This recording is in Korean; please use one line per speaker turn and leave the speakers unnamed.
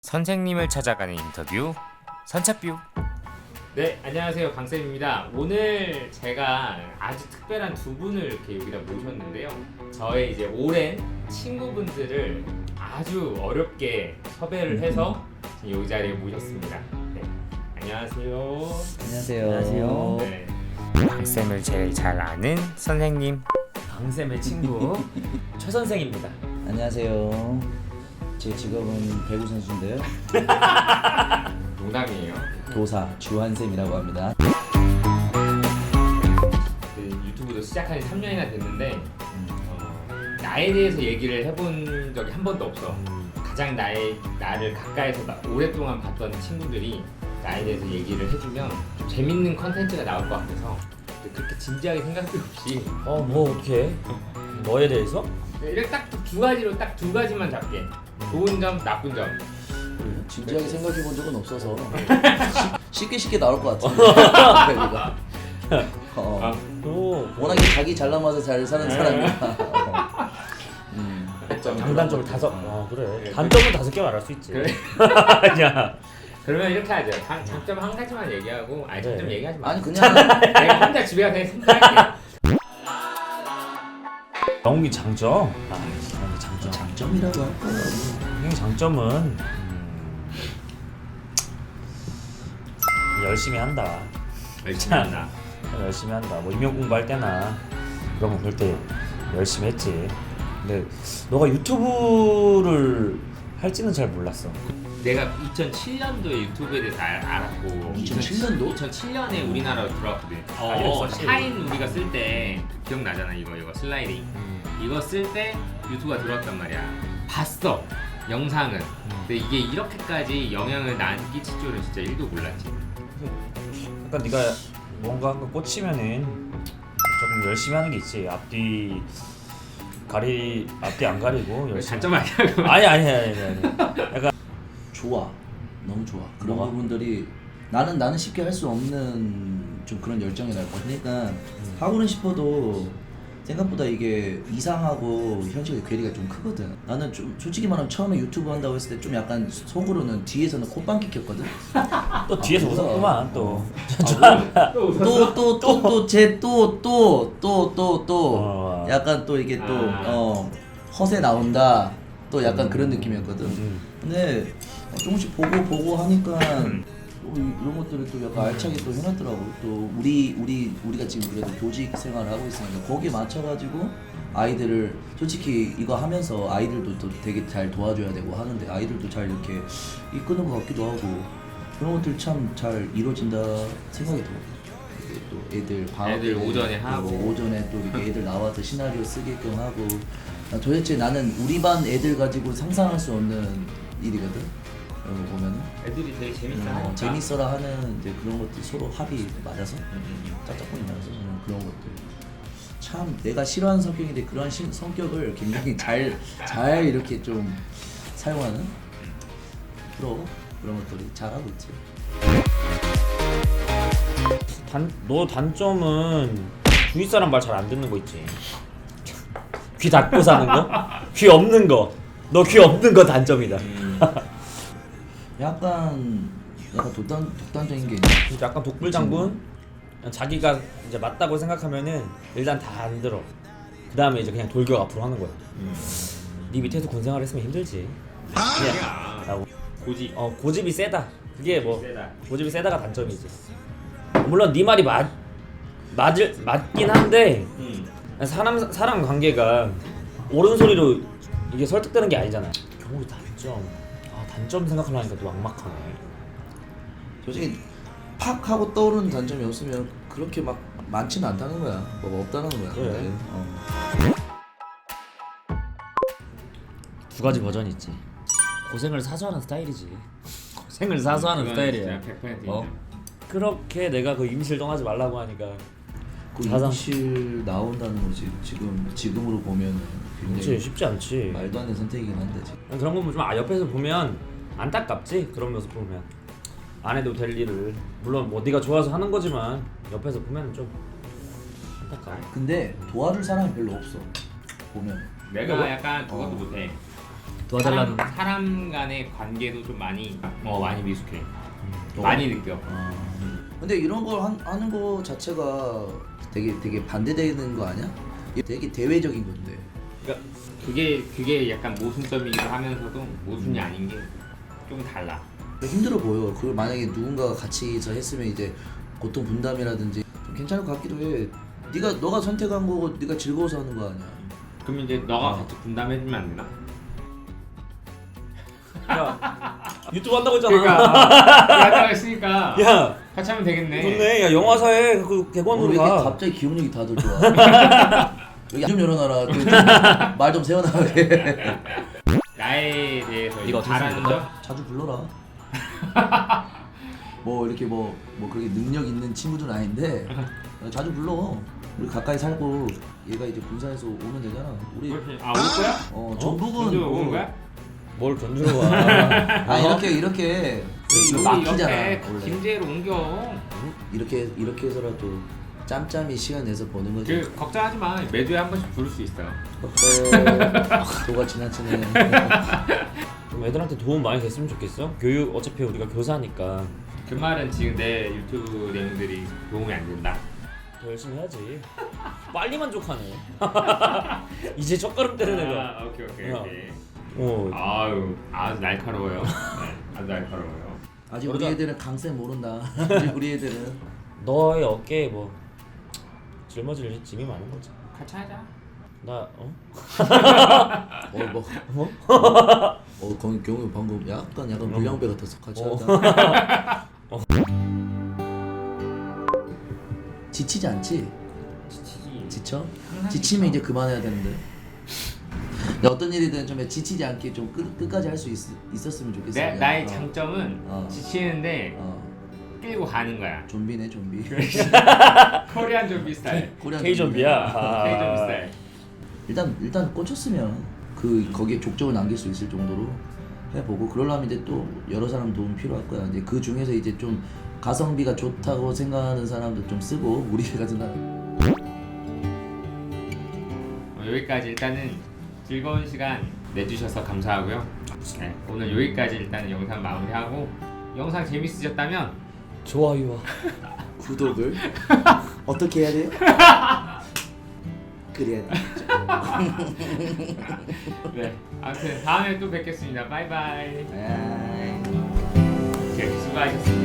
선생님을 찾아가는 인터뷰 선착뷰. 네, 안녕하세요, 강쌤입니다. 오늘 제가 아주 특별한 두 분을 이렇게 여기다 모셨는데요. 저의 이제 오랜 친구분들을 아주 어렵게 섭외를 해서 지금 여기 자리에 모셨습니다. 네, 안녕하세요.
안녕하세요.
네, 강쌤을 제일 잘 아는 선생님, 강쌤의 친구 최 선생입니다.
안녕하세요. 제 직업은 배구 선수인데요.
농담이에요.
도사 주한쌤이라고 합니다.
그 유튜브도 시작한 지 3년이나 됐는데 나에 대해서 얘기를 해본 적이 한 번도 없어. 가장 나를 가까이서 오랫동안 봤던 친구들이 나에 대해서 얘기를 해주면 좀 재밌는 컨텐츠가 나올 것 같아서 그렇게 진지하게 생각도 없이
뭐 어떻게? 뭐에 대해서?
이렇게 딱 두 가지만 잡게. 좋은 점, 나쁜 점.
진지하게 생각해 본 적은 없어서 쉽게 나올 것 같은데. 배구가.
또
워낙에 자기 잘 남아서 잘 사는 사람이라.
장단점을 다섯. 그래.
네,
단점은 5개 말할 수 있지.
그래.
야.
그러면 이렇게 하죠. 장점 한 가지만 얘기하고, 아니 장점
네.
얘기하지 마.
아니 그냥
내가 혼자 집에 가서 생각할게.
영웅이 장점. 장점.
장점이라고 할까요?
형의 장점은 열심히 한다.
열심히 한다.
열심히 한다. 뭐 임용 공부할 때나 그런 거 볼 때 열심히 했지. 근데 너가 유튜브를 할지는 잘 몰랐어.
내가 2007년도에 유튜브에 대해서 알았고
2007년도?
2007년에 우리나라로 들어왔거든.
알겠어.
샤인 우리가 쓸 때 기억나잖아. 이거 슬라이딩 이거 쓸 때 유튜브가 들어왔단 말이야. 봤어 영상은. 근데 이게 이렇게까지 영향을 나한테 끼칠 줄은 진짜 1도 몰랐지.
약간 네가 뭔가 한 거 꽂히면은 조금 열심히 하는 게 있지. 앞뒤 안 가리고 열심히.
단점 아니야?
아니. 약간
좋아. 너무 좋아. 그런
뭐가?
부분들이 나는 쉽게 할 수 없는 좀 그런 열정이 날 거야. 그러니까 하고는 싶어도 생각보다 이게 이상하고 현실의 괴리가 좀 크거든. 나는 좀 솔직히 말하면 처음에 유튜브 한다고 했을 때 좀 약간 속으로는 뒤에서는 콧방 킥혔거든.
또 뒤에서
그래서-
웃었구만 또.
또 약간 또 이게 또 허세 나온다. 또 약간 그런 느낌이었거든. 근데 조금씩 보고 하니까 이런 것들을 또 약간 알차게 또 해놨더라고. 또 우리가 지금 그래도 교직 생활을 하고 있으니까 거기에 맞춰가지고 아이들을 솔직히 이거 하면서 아이들도 또 되게 잘 도와줘야 되고 하는데 아이들도 잘 이렇게 이끄는 것 같기도 하고 그런 것들 참 잘 이루어진다 생각이 들어. 이게 또 애들 방학
애들
때
오전에
또
하고.
오전에 또 이렇게 애들 나와서 시나리오 쓰게끔 하고 도대체 나는 우리 반 애들 가지고 상상할 수 없는 일이거든. 이런 거 보면은
애들이 되게 재밌어 하니까.
재밌어라 하는 이제 그런 것들 서로 합이 맞아서 짝짝꿍이 맞아서 그런 것들 참 내가 싫어하는 성격인데 그런 성격을 굉장히 잘 이렇게 좀 사용하는 프로 그런 것들이 잘하고 있지.
너 단점은 주위 사람 말 잘 안 듣는 거 있지. 귀 닫고 사는 거? 귀 없는 거. 너 귀 없는 거 단점이다.
약간 독단적인 게 있네.
진짜 약간 독불장군. 자기가 이제 맞다고 생각하면은 일단 다 안 들어. 그 다음에 이제 그냥 돌격 앞으로 하는 거야. 네 밑에서 군생활 했으면 힘들지.
아니야. 고집.
고집이 세다. 그게 뭐
세다.
고집이 세다가 단점이지. 물론 네 말이 맞긴 한데 사람 관계가 옳은 소리로 이게 설득되는 게 아니잖아. 경우 단점 생각하려니까 또 막막하네.
솔직히 팍 하고 떠오르는 단점이 없으면 그렇게 막 많지는 않다는 거야. 뭐가 없다는 거야.
그래.
근데,
두 가지 버전이 있지. 고생을 사서 하는 스타일이지. 고생을 사서 하는 스타일이야.
100%
그렇게 내가 그 임실 떠나지 말라고 하니까
그
자상-
임실 나온다는 거지. 지금으로 보면
그렇지
굉장히
쉽지 않지.
말도 안 되는 선택이긴 한데 지금.
그런 거 좀 옆에서 보면 안타깝지. 그런 모습 보면 안 해도 될 일을 물론 뭐 네가 좋아서 하는 거지만 옆에서 보면 좀 안타까워.
근데 도와줄 사람이 별로 없어. 보면
내가 약간 그것도 못해.
도와달라는.
사람 간의 관계도 좀 많이 많이 미숙해.
또?
많이 느껴.
근데 이런 걸 하는 거 자체가 되게 반대되는 거 아니야? 이게 되게 대외적인 건데.
그러니까 그게 약간 모순점이기도 하면서도 모순이 아닌 게 좀 달라.
힘들어 보여. 그걸 만약에 누군가가 같이서 했으면 이제 고통 분담이라든지 좀 괜찮을 것 같기도 해. 너가 선택한 거고 네가 즐거워서 하는 거 아니야.
그럼 이제 너가 같이 분담해주면 안 되나?
야 유튜브 한다고 했잖아.
그러니까 한다고 했으니까
야
같이 하면 되겠네.
좋네. 야 영화사에 그
왜
객원으로
이렇게
가.
갑자기 기억력이 다들 좋아. 여기 좀 열어놔라. 말 좀 세워나가게.
나에 대해서
네가 어떻게
잘하는
생각해?
점?
자주 불러라. 뭐 이렇게 뭐 그렇게 능력 있는 친구들은 아닌데 자주 불러. 우리 가까이 살고 얘가 이제 군산에서 오면 되잖아. 우리
올 거야?
전북은
전주 오는 거야?
뭘 전주로 와.
아 이렇게
우리
막히잖아.
옆에
원래
김제로 옮겨.
이렇게 해서라도 짬짬이 시간 내서 보는 거지.
그 걱정하지 마. 매주에 한 번씩 부를 수 있어.
도가 지나치네.
좀 애들한테 도움 많이 됐으면 좋겠어. 교육 어차피 우리가 교사니까
그 말은 지금 내 유튜브 내용들이 도움이 안 된다.
더 열심히 해야지. 빨리 만족하네. 이제 첫걸음 때는 애가.
오케이.
야. 어.
아유 아주 날카로워요. 네, 아주 날카로워요.
아직 우리 애들은 강세 모른다. 우리 애들은
너의 어깨에 뭐 짊어질 짐이 많은 거지.
같이 하자.
나
경우 방금 약간 물량배 같았어. 같이
어.
하자. 지치지 않지?
지치지.
지쳐?
항상
지치면
지쳐.
이제 그만해야 되는데. 근데 어떤 일이든 좀 지치지 않게 좀 끝까지 할 수 있었으면 좋겠어.
나의 장점은
어.
지치는데 끌고 가는 거야.
좀비네 좀비.
코리안 좀비 스타일.
코리안
K 좀비야.
K 좀비 스타일.
일단 꽂혔으면 거기에 족적을 남길 수 있을 정도로 해보고 그러려면 이제 또 여러 사람 도움 필요할 거야. 이제 그 중에서 이제 좀 가성비가 좋다고 생각하는 사람도 좀 쓰고 우리 같은 사람.
여기까지 일단은 즐거운 시간 내주셔서 감사하고요. 네, 오늘 여기까지 일단 영상 마무리하고 영상 재밌으셨다면
좋아요와
구독을 어떻게 해야 돼요? 그래야 돼.
네 아무튼 다음에 또 뵙겠습니다. 바이바이.
에이.
네, 수고하셨습니다.